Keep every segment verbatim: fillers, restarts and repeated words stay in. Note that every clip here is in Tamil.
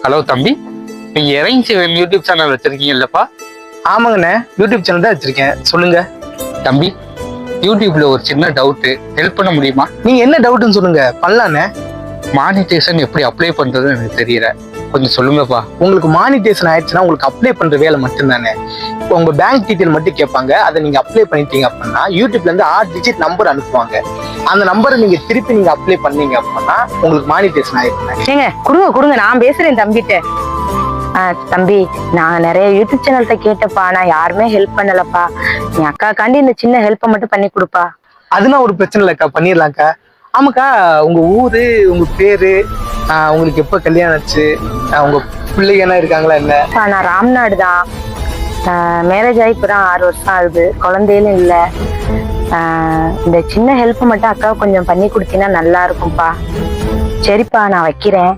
ஹலோ தம்பி, நீங்க இறங்கி யூடியூப் சேனல் வச்சிருக்கீங்கல்லப்பா? ஆமாங்கண்ணே, யூடியூப் சேனல் தான் வச்சிருக்கேன். சொல்லுங்க தம்பி. யூடியூப்ல ஒரு சின்ன டவுட், ஹெல்ப் பண்ண முடியுமா? நீங்க என்ன டவுட்னு சொல்லுங்க, பண்ணலாண்ணே. மானிட்டேஷன் எப்படி அப்ளை பண்றதுன்னு எனக்கு தெரியல, கொஞ்சம் சொல்லுங்கப்பா. உங்களுக்கு மானிட்டேஷன் ஆயிடுச்சுன்னா உங்களுக்கு அப்ளை பண்ற வேலை மட்டும்தானே. இப்போ உங்க பேங்க் டீட்டெயில் மட்டும் கேட்பாங்க, அதை நீங்க அப்ளை பண்ணிட்டீங்க அப்படின்னா யூடியூப்ல இருந்து ஆறு டிஜிட் நம்பர் அனுப்புவாங்க. அந்த நம்பரை நீங்க திருப்பி நீங்க அப்ளை பண்ணீங்க அப்படின்னா உங்களுக்கு மானிட்டேஷன் ஆயிடுச்சு. ஏங்க கொடுங்க கொடுங்க, நான் பேசுறேன் தம்பிட்ட. ஆஹ் தம்பி, நான் நிறைய யூடியூப் சேனல்கிட்ட கேட்டப்பா, நான் யாருமே ஹெல்ப் பண்ணலப்பா. என் அக்காக்காண்டி இந்த சின்ன ஹெல்ப்பை மட்டும் பண்ணி கொடுப்பா. அதெல்லாம் ஒரு பிரச்சனை இல்லைக்கா, பண்ணிடலாம்க்கா. ஆமாக்கா, உங்க ஊரு, உங்க பேரு, ஆஹ் உங்களுக்கு எப்ப கல்யாணம் ஆச்சு, உங்க பிள்ளைங்க இருக்காங்களா என்ன? நான் ராம்நாடு தான். மேரேஜ் ஆகி இப்பதான் ஆறு வருஷம் ஆகுது, குழந்தையிலும் இல்லை. இந்த சின்ன ஹெல்ப் மட்டும் அக்காவை கொஞ்சம் பண்ணி கொடுத்தீங்கன்னா நல்லா இருக்கும்ப்பா. சரிப்பா, நான் வைக்கிறேன்.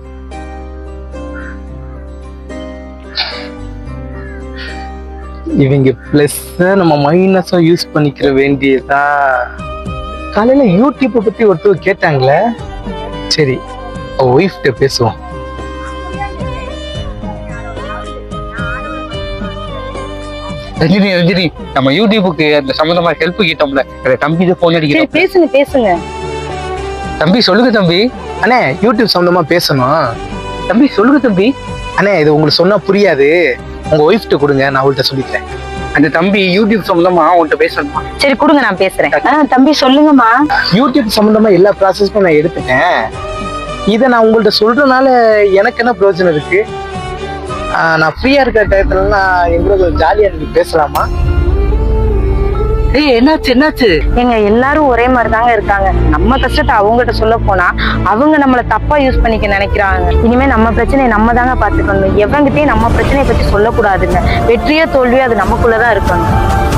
இவங்க பிளஸ் நம்ம மைனஸும் யூஸ் பண்ணிக்கிற வேண்டியதா. காலையில யூடியூப்பை பத்தி ஒருத்தர் கேட்டாங்களே, சரி ஒய்ஃப்ட பேசுவோம். ரஞ்சினி ரஞ்சினி, நம்ம யூடியூபுக்கு அந்த சம்பந்தமா ஹெல்ப் கேட்டோம்ல, தம்பி போன் அடிக்கிறேன். பேசுங்க பேசுங்க தம்பி. சொல்லுங்க தம்பி. அண்ணே, யூடியூப் சம்பந்தமா பேசணும். தம்பி சொல்லுங்க தம்பி. அண்ணே, இது உங்களுக்கு சொன்னா புரியாது, உங்க ஒய்ஃப்ட கொடுங்க, நான் அவள்கிட்ட சொல்லிக்கிறேன். அந்த தம்பி யூடியூப் சம்பந்தமா உன்கிட்ட பேசணுமா? சரி கொடுங்க, நான் பேசுறேன். ஆஹ் தம்பி சொல்லுங்கம்மா. யூடியூப் சம்பந்தமா எல்லா ப்ராசஸும் நான் எடுத்துட்டேன். இதை நான் உங்கள்ட்ட சொல்றதுனால எனக்கு என்ன பிரயோஜனம் இருக்கு? ஆஹ் நான் ஃப்ரீயா இருக்கிற டயத்துல நான் எங்களோட ஜாலியா நீங்க பேசலாமா? ஏய், என்னாச்சு என்னாச்சு? எங்க எல்லாரும் ஒரே மாதிரி தாங்க இருக்காங்க. நம்ம கஷ்டத்தை அவங்ககிட்ட சொல்ல போனா அவங்க நம்மள தப்பா யூஸ் பண்ணிக்க நினைக்கிறாங்க. இனிமே நம்ம பிரச்சனையை நம்ம தாங்க பாத்துக்கணும். எவங்கிட்டயும் நம்ம பிரச்சனையை பத்தி சொல்லக்கூடாதுங்க. வெற்றியோ தோல்வியோ அது நமக்குள்ளதான் இருக்கணும்.